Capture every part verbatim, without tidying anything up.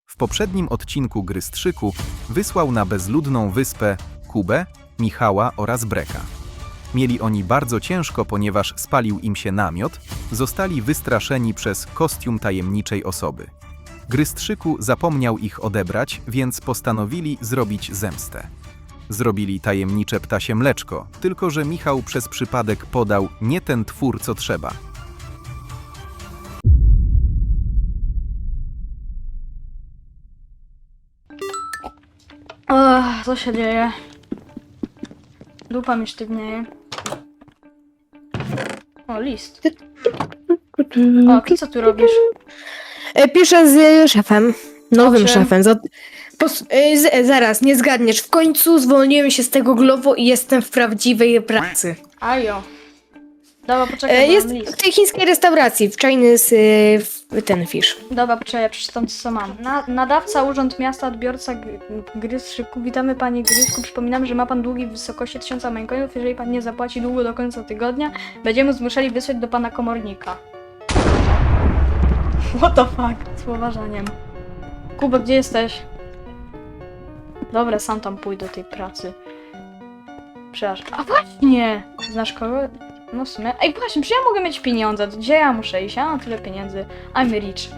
W poprzednim odcinku Gry Strzyku wysłał na bezludną wyspę Kubę, Michała oraz Breka. Mieli oni bardzo ciężko, ponieważ spalił im się namiot, zostali wystraszeni przez kostium tajemniczej osoby. Grystrzyku zapomniał ich odebrać, więc postanowili zrobić zemstę. Zrobili tajemnicze ptasie mleczko, tylko że Michał przez przypadek podał nie ten twór, co trzeba. Ach, co się dzieje? Dupa mi sztywnieje. O, list. O, ty co tu robisz? E, Piszę z szefem, nowym O czym? szefem. Za, pos, e, z, zaraz, nie zgadniesz. W końcu zwolniłem się z tego Glovo i jestem w prawdziwej pracy. Ajo. Dobra, poczekaj, E, bo jest mam w list. tej chińskiej restauracji, w Chinese e, w, ten fish. Dobra, poczekaj, ja przeczytam co mam. Na, nadawca, Urząd Miasta, odbiorca gry, gry Strzyku. Witamy panie Grysku. Przypominam, że ma pan długi w wysokości tysiąca maincoinów. Jeżeli pan nie zapłaci długo do końca tygodnia, będziemy zmuszeni wysłać do pana komornika. What the fuck? Z poważaniem. Kuba, gdzie jesteś? Dobra, sam tam pójdę do tej pracy. Przepraszam. A właśnie! Znasz kogo? No w sumie. Ej, właśnie, czy ja mogę mieć pieniądze? Gdzie ja muszę iść? Ja mam tyle pieniędzy. I'm rich.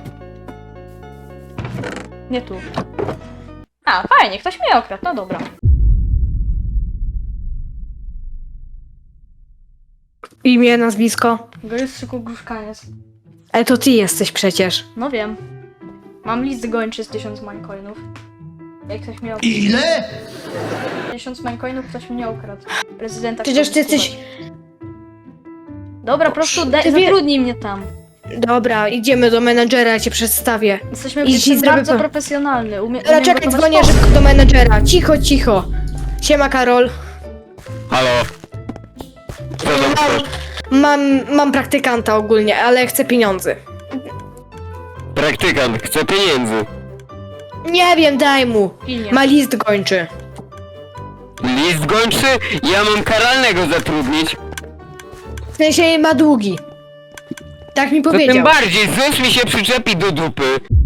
Nie tu. A, fajnie, ktoś mnie okradł. No dobra. Imię, nazwisko. Grystrzyku Gruszkaniec. Ale to ty jesteś przecież. No wiem. Mam list gończy z tysiąc maincoinów. Jak ktoś mnie okradł. Ile? Tysiąc maincoinów ktoś mnie okradł. Prezydenta. Przecież ty chciał jesteś... skuwać. Dobra, po prostu daj, Ty wie- zatrudnij mnie tam. Dobra, idziemy do menadżera, cię przedstawię. Jesteśmy I jestem ci zrobię bardzo po- profesjonalny. Umie, Ale umiem czekaj, gotować dzwonię posty. szybko do menadżera. Cicho, cicho. Siema, Karol. Halo? Co tam chcesz? Mam, mam praktykanta ogólnie, ale chcę pieniądze. Praktykant, chce pieniędzy. Nie wiem, daj mu. Pilnie. Ma list gończy. List gończy? Ja mam karalnego zatrudnić. W sensie ma długi. Tak mi To tym powiedział. bardziej, zus mi się przyczepi do dupy.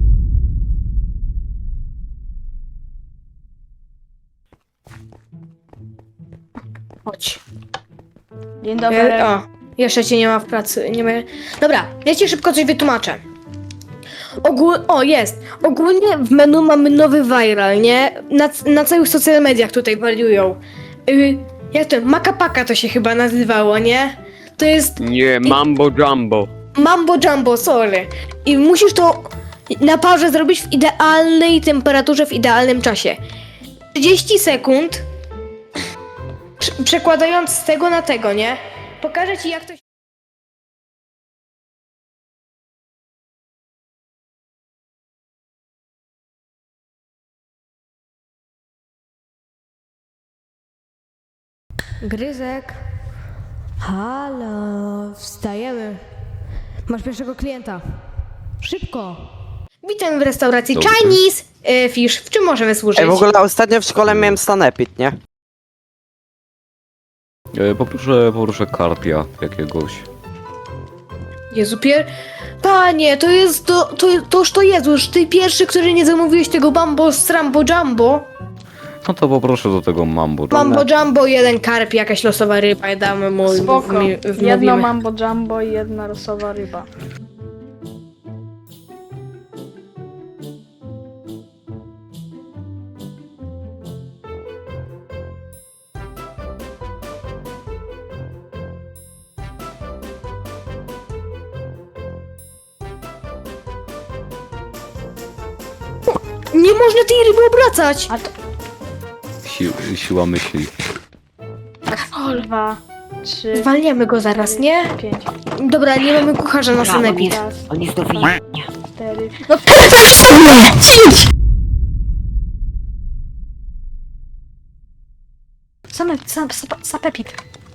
Chodź. Dzień dobry. E, o, jeszcze cię nie ma w pracy. Nie ma... Dobra, ja ci szybko coś wytłumaczę. Ogól... O, jest. Ogólnie w menu mamy nowy viral, nie? Na, na całych social mediach tutaj wariują. Y, jak to? Makapaka to się chyba nazywało, nie? To jest Nie, mambo jumbo. Mambo Jumbo, sorry. I musisz to na parze zrobić w idealnej temperaturze, w idealnym czasie. trzydzieści sekund. Prze- Przekładając z tego na tego, nie? Pokażę ci jak to się... Gryzek. Halo, wstajemy. Masz pierwszego klienta. Szybko. Witam w restauracji Dobrze. Chinese e, Fish. W czym możemy służyć? Ej, w ogóle ostatnio w szkole miałem stanepid, nie? E, Poproszę, poproszę karpia jakiegoś. Jezu, pier... Panie, to jest to, to, toż to Jezus, ty pierwszy, który nie zamówiłeś tego Bambo Strambo Jumbo. No to poproszę do tego mambo. Mambo Jumbo, jeden karp, jakaś losowa ryba, i damy mu... Spoko. wmi- wmówimy. Jedno mambo jumbo i jedna rosowa ryba. Nie można tej ryby obracać! A to... Si siła myśli. Dwa, trzy, Zwalniamy go zaraz, nie? pięć. Dobra, nie mamy kucharza na sanepid. Raz, On jest do dwa, wyjęcia. cztery... No Same, sam, sap, sapepit.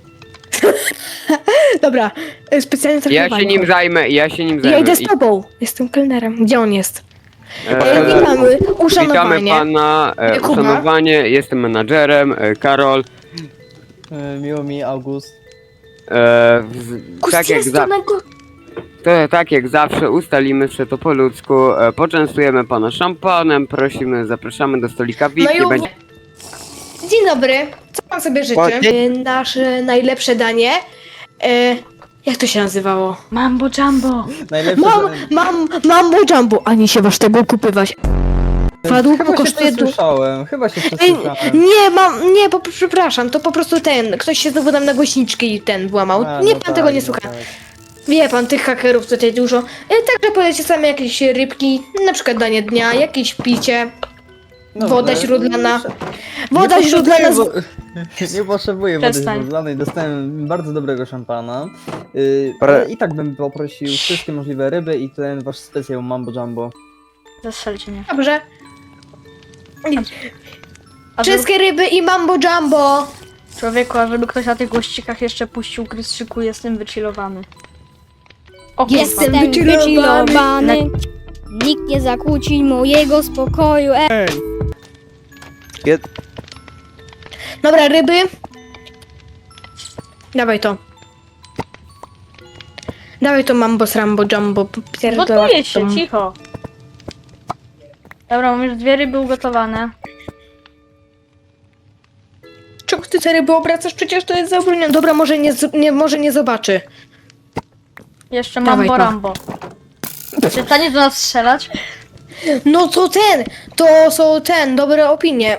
Dobra, e, specjalnie Ja się traktowanie. nim zajmę, ja się nim zajmę. Ja idę z I- tobą, jestem kelnerem. Gdzie on jest? e, E, witamy, Witamy uszanowanie. pana, e, Kuba. uszanowanie, jestem menadżerem, e, Karol. E, Miło mi, August. E, w, tak jak za... Kustiastonego... To tak jak zawsze ustalimy się to po ludzku, e, poczęstujemy pana szampanem, prosimy, zapraszamy do stolika V I P, No nie i będzie... Dzień dobry, co pan sobie życzy? Ładnie. E, Nasze najlepsze danie. E, jak to się nazywało? Mambo jumbo. Najlepsze Mam, mam, mambo jumbo, ani się was tego kupywać. Padł, Chyba się kosztuje du- przesłyszałem, chyba się Ej, przesłyszałem. nie, mam, nie, po, przepraszam, to po prostu ten, ktoś się znowu nam na głośniczki ten włamał. A, nie no pan tak, tego nie no słucha. tak. Wie pan, tych hakerów tutaj dużo. E, także powiecie same jakieś rybki, na przykład danie dnia, jakieś picie. Dobrze. Woda źródlana. Nie Woda potrzebuję źródlana z... wo- Nie potrzebuję wody Przestań. źródlanej, dostałem bardzo dobrego szampana. Yy, Pre- ale i tak bym poprosił wszystkie możliwe ryby i ten wasz specjał Mambo Jumbo. Zastrzelcie mnie. Dobrze. A żeby, Wszystkie ryby i mambo jumbo. człowieku, a żeby ktoś na tych gościkach jeszcze puścił Grystrzyku, jestem wychillowany. O, kurwa. Jestem Jestem wychillowany. wychillowany. Nikt nie zakłóci mojego spokoju. E Dobra, ryby. Dawaj to. Dawaj to mambo z rambo jumbo. Pierdolę Gotuję się, to. cicho. Dobra, mam już dwie ryby ugotowane. Czemu ty te ryby obracasz? Przecież to jest zabronione. Dobra, może nie, z- nie, może nie zobaczy. Jeszcze Dawaj mambo to. rambo. Przestanie do nas strzelać? No to ten, to są ten, dobre opinie.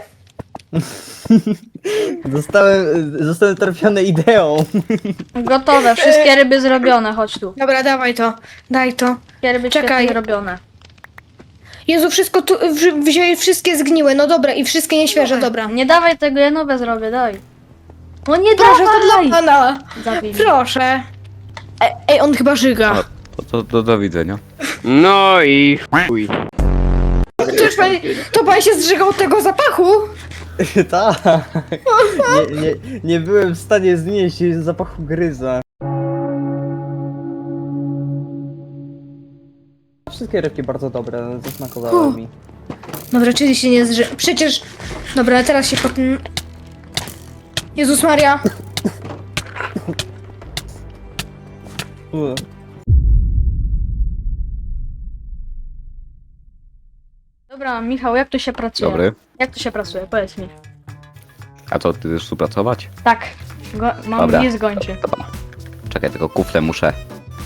Zostałem, zostałem trafiony ideą. Gotowe, wszystkie ryby zrobione, chodź tu. Dobra, dawaj to, daj to. Wszystkie ryby Czekaj. świetnie zrobione. Jezu, wszystko tu, wzi- wzięli wszystkie zgniłe, no dobra, i wszystkie nieświeże, dobra. Nie dawaj tego, ja nowe zrobię, daj. No nie Proszę, to dawaj! dla pana. Zabij mnie. Proszę. Ej, ej, on chyba żyga. To, to, to do widzenia. No i chuj. Cóż, pan, to pan się zżygał od tego zapachu? Tak. Nie, nie, nie byłem w stanie znieść zapachu gryza. Wszystkie rybki bardzo dobre, zasmakowały Huh. mi. Dobra, czyli się nie zży... Przecież... Dobra, teraz się pod... Jezus Maria. U. Dobra, Michał, jak tu się pracuje? Dobry. Jak tu się pracuje? Powiedz mi. A to ty chcesz współpracować? Tak, go, mam Dobra. list gończy. Dobra. Czekaj, tylko kufle muszę.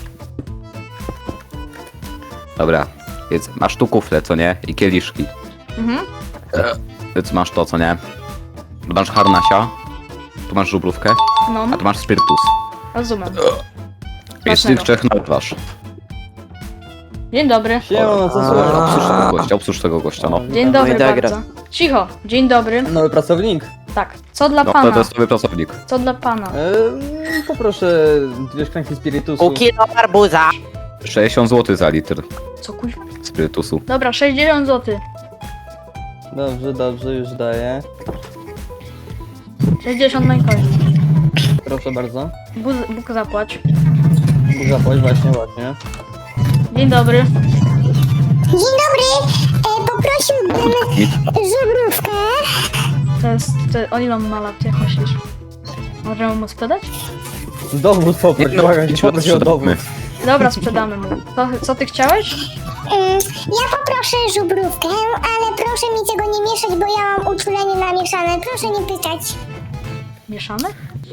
Dobra, więc masz tu kufle, co nie? I kieliszki. Mhm. Więc masz to, co nie? Tu masz harnasia, tu masz żubrówkę, No, a tu masz spirytus. rozumiem. I z tych Smacznego. trzech nalewasz. Dzień dobry. Siemano, co Obsłuż słychać? tego gościa, obsłuż tego gościa, no. Dzień No dobry i tak bardzo. Cicho, dzień dobry. Nowy pracownik. Tak, co dla No to, pana? to jest nowy pracownik. Co dla pana? Eee, poproszę dwie szklanki spirytusu. Pół kilo arbuza. sześćdziesiąt złotych za litr Co kuźwa? spirytusu. Dobra, sześćdziesiąt złotych. Dobrze, dobrze, już daję. sześćdziesiąt na koń. Proszę bardzo. Bóg, Bóg zapłać. Zapłać, właśnie, właśnie. Dzień dobry. Dzień dobry, e, poprosiłbym żubrówkę. To jest... To, o ile on ma lat, jak myślisz? Możemy mu sprzedać? Dowód poproś, Nie, no, błagam cię, idźmy, poproś o dowód. sprzedamy. Dobra, sprzedamy mu. Co, co ty chciałeś? Mm, ja poproszę żubrówkę, ale proszę mi tego nie mieszać, bo ja mam uczulenie na mieszane. Proszę nie pytać. Mieszane?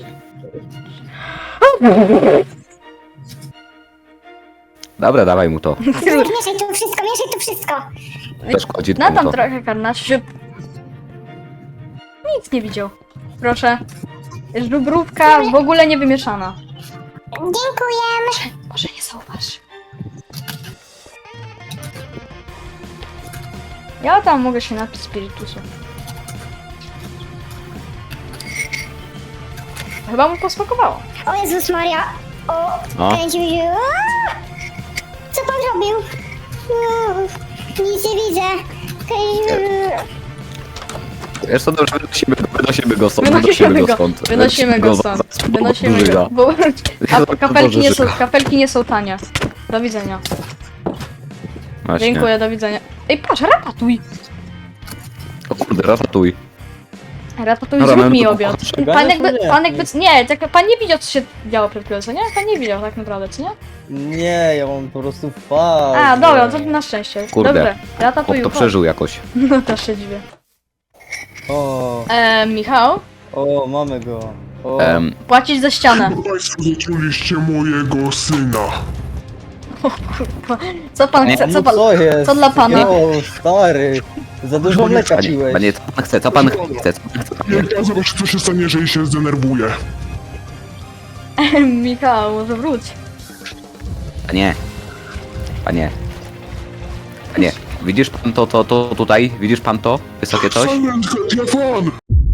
Dobra, dawaj mu to. Mieszaj to wszystko, mieszaj to wszystko. To szkodzi Na mu tam to. trochę karnacz, że... Nic nie widział. Proszę. Żubrówka w ogóle nie wymieszana. Dziękuję. Może nie zauważ. Ja tam mogę się napić spirytusu. Chyba mu posmakowało. O Jezus Maria. O, No. kręci mi się. Aaa! Co pan robił? Uuu, nic nie widzę. Kręci- Wiesz co, dobrze, wynosimy, wynosimy go stąd, Wynosimy go, stąd. wynosimy go za- stąd. za- Wynosimy Żyga. go. Bo a kapelki nie, są, Żyga. kapelki nie są tanie. Do widzenia. Właśnie. Dziękuję, do widzenia. Ej, patrz, rapatuj. O kurde, ratatuj. Ratatuj, Dobra, zrób mamy mi tu obiad. pokoju. Pan jakby, Nie. pan jakby, nie, tak, pan nie widział, co się działo przed chwilą, co nie? Pan nie widział tak naprawdę, co nie? Nie, ja mam po prostu fazę. A, dobra, to na szczęście. Kurde. Dobrze, Chłop ratatuj, to przeżył jakoś. No też się dziwię. O, Eee, Michał, o, mamy go. O, Em, płacić za ścianę. Państwo zatruliście mojego syna. Co pan Nie. chce, no co pan... co jest? co dla pana? O, stary, za dużo mleka panie, piłeś. panie, co pan chce? Co pan chce? Co pan chce? Ja chciałem zobaczyć, co się stanie, jeżeli się zdenerwuje. Michał, może wróć. Panie. Panie. Panie, widzisz pan to, to, to tutaj? Widzisz pan to? Wysokie coś? Silent telefon!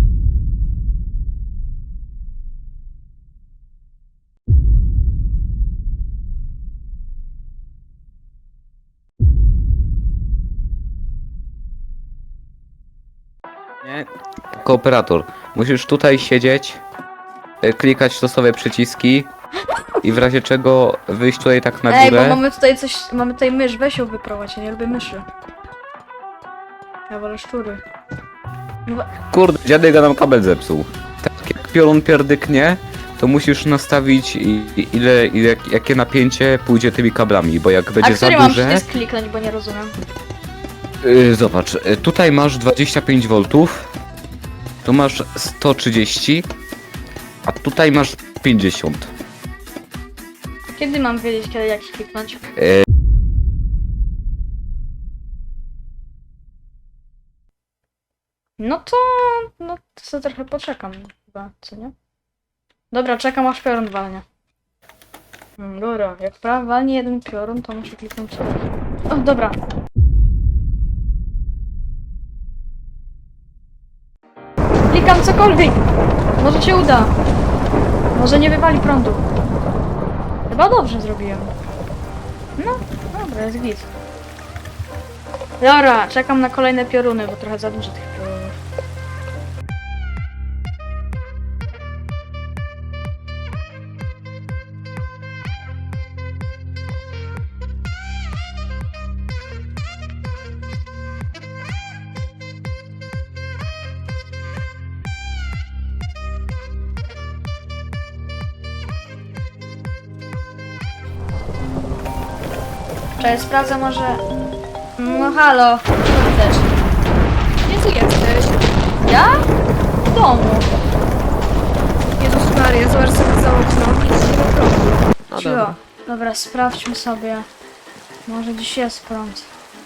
Nie? Kooperator. Musisz tutaj siedzieć, y, klikać losowe przyciski i w razie czego wyjść tutaj tak na Ej, bo górę. mamy tutaj coś, mamy tutaj mysz, weź ją wyprowadź, ja nie lubię myszy. Ja wolę szczury. No we- Kurde, dziadek nam kabel zepsuł. Tak jak piorun pierdyknie, to musisz nastawić i, i ile, ile, jakie napięcie pójdzie tymi kablami, bo jak A będzie za który mam duże... przycisk kliknąć, bo nie rozumiem. Yy, zobacz, y, tutaj masz dwadzieścia pięć woltów, tu masz sto trzydzieści, a tutaj masz pięćdziesiąt. Kiedy mam wiedzieć, kiedy jak kliknąć? Yy, No to... no to sobie trochę poczekam chyba, co nie? Dobra, czekam aż piorun walnie. Hmm, dobra, jak prawa walnie jeden piorun, to muszę kliknąć. O, dobra. Klikam cokolwiek! Może się uda. Może nie wywali prądu. Chyba dobrze zrobiłem. No, dobra, jest git. Dobra, czekam na kolejne pioruny, bo trochę za dużo tych piorunów. Cześć, sprawdzę może... No halo, co chcesz? Gdzie ty jesteś? Ja? W domu. Jezus Maria, zobacz sobie za okno. Nic nie ma prądu. No Cicho. dobra. Dobra, sprawdźmy sobie. Może dziś jest prąd.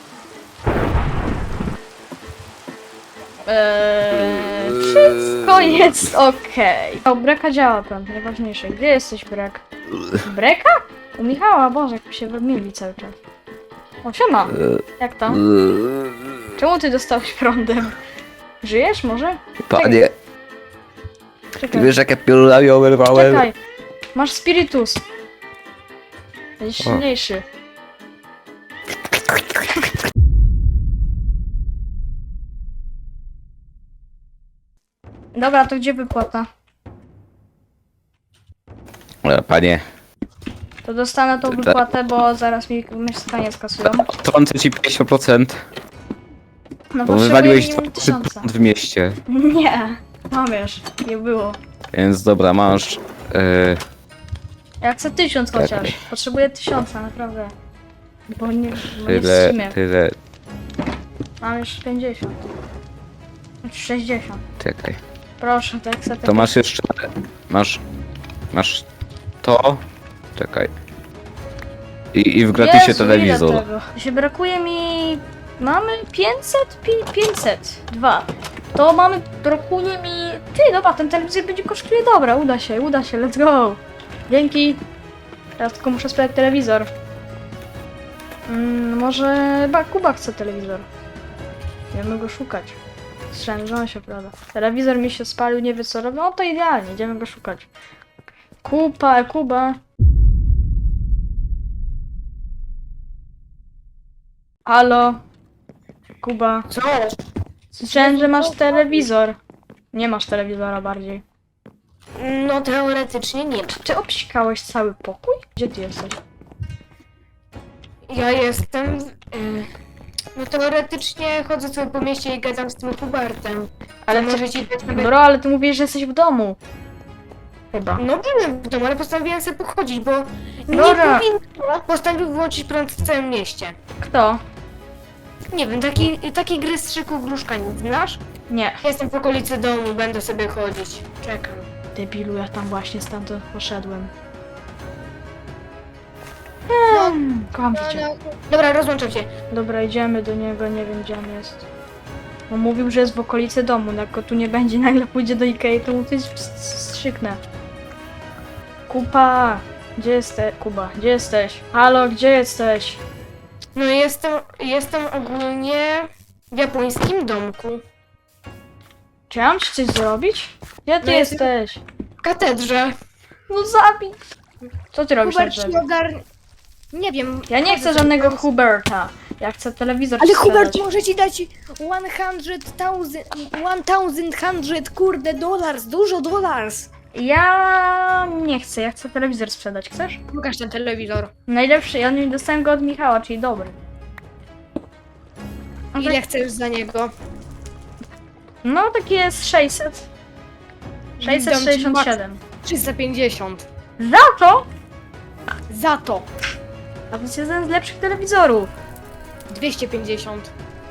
Eee, wszystko jest okej. O, Breka działa prąd, najważniejsze. Gdzie jesteś, Brek? Breka? U Michała, Boże, jak mi się wymieli cały czas. O, siema. Jak tam? Czemu ty dostałeś prądem? Żyjesz może? Panie, Czekaj, wiesz jakie piorunami oberwałem? czekaj. Masz spirytus. Będziesz silniejszy. Dobra, to gdzie wypłata? E, Panie, To dostanę tą wypłatę, bo zaraz mi mieszkanie skasują. trącę ci pięćdziesiąt procent, No bo potrzebuję wywaliłeś minimum dwa tysiąca. procent w mieście. Nie, mam już, nie było. Więc dobra, masz... E, Ja chcę tysiąc Tak. chociaż. Potrzebuję tysiąca, naprawdę. Bo nie, bo nie tyle, wstrzymie. tyle... Mam już pięćdziesiąt. Znaczy sześćdziesiąt. Czekaj. Proszę, to jak sobie To masz jeszcze... Masz... Masz... To... Czekaj. I, i w gratisie Jezu, telewizor. ile tego? Się brakuje mi... Mamy pięćset? Pi- pięćset. Dwa. To mamy... Brakuje mi... Ty, dobra, ten telewizor będzie kosztuje. Dobra, uda się, uda się, let's go. Dzięki. Teraz tylko muszę sprawdzić telewizor. Mm, może chyba Kuba chce telewizor. Idziemy go szukać. Słyszałem, że on się prawda. Telewizor mi się spalił, nie wie co robi. No to idealnie, idziemy go szukać. Kupa, Kuba. Halo? Kuba. Co? Słyszałem, że masz telewizor. Nie masz telewizora bardziej. No teoretycznie nie. Ty obsikałeś cały pokój? Gdzie ty jesteś? Ja jestem... y, No teoretycznie chodzę sobie po mieście i gadam z tym Hubertem. Ale Ale ty, może ci dać sobie... bro, ale ty mówisz, że jesteś w domu. Chyba. No byłem w domu, ale postanowiłem sobie pochodzić, bo nie Dobra. powinno postanowił wyłączyć prąd w całym mieście. Kto? Nie wiem, taki, taki gry z szyku gruszka nie znasz? Nie. Jestem w okolicy domu, będę sobie chodzić. Czekam. Debilu, ja tam właśnie stamtąd poszedłem. No, Hmm, kocham no, cię. no. Dobra, rozłączam się. Dobra, idziemy do niego, nie wiem gdzie on jest. On mówił, że jest w okolicy domu, no jak go tu nie będzie, nagle pójdzie do Ikei, to mu coś strzyknę. Kuba! Gdzie jesteś? Kuba, gdzie jesteś? Halo, gdzie jesteś? No jestem, jestem ogólnie w japońskim domku. Czy ja mam ci coś zrobić? Gdzie ty No, jestem- jesteś? W katedrze. No zabij! Co ty robisz na Hubert drzewie? nie ogarnie... Nie wiem. Ja nie chcę żadnego Huberta. Ja chcę telewizor Ale ci Hubert sprzedać. może ci dać tysiąc, kurde, dollars, dużo dollars. Ja nie chcę, ja chcę telewizor sprzedać. Chcesz? Pokaż ten telewizor. Najlepszy, ja nie dostałem go od Michała, czyli dobry. No, Ile tak, chcesz za niego? no taki jest sześćset. sześćset sześćdziesiąt siedem. trzysta pięćdziesiąt. Za to? Za to. A to jest jeden z lepszych telewizorów. dwieście pięćdziesiąt.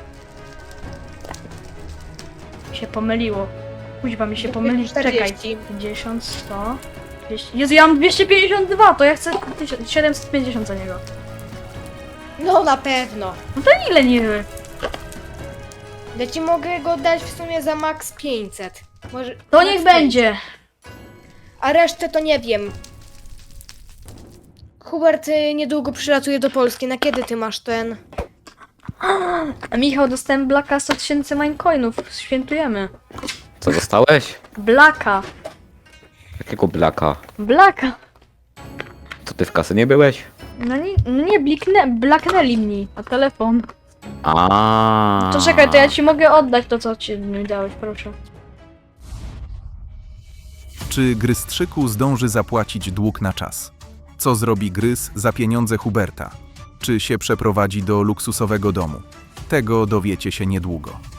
Mi się pomyliło. Kuźwa mi się pomylić. Czekaj. czterdzieści. pięćdziesiąt, sto, dwieście. Jezu, ja mam dwieście pięćdziesiąt dwa, to ja chcę tysiąc siedemset pięćdziesiąt za niego. No na pewno. No to ile niby? Ja ci mogę go dać w sumie za max pięćset. Może... To max niech pięćset. będzie. A resztę to nie wiem. Hubert y, niedługo przylatuje do Polski. Na kiedy ty masz ten? A Michał, dostałem Blacka sto tysięcy minecoinów. Świętujemy. Co dostałeś? Blacka. Jakiego blaka? Blacka. Co ty w kasy nie byłeś? No nie, no nie bliknę, blaknęli mnie. A telefon. A. To czekaj, to ja ci mogę oddać to, co ci mi dałeś, proszę. Czy Grystrzyku zdąży zapłacić dług na czas? Co zrobi Grys za pieniądze Huberta? Czy się przeprowadzi do luksusowego domu? Tego dowiecie się niedługo.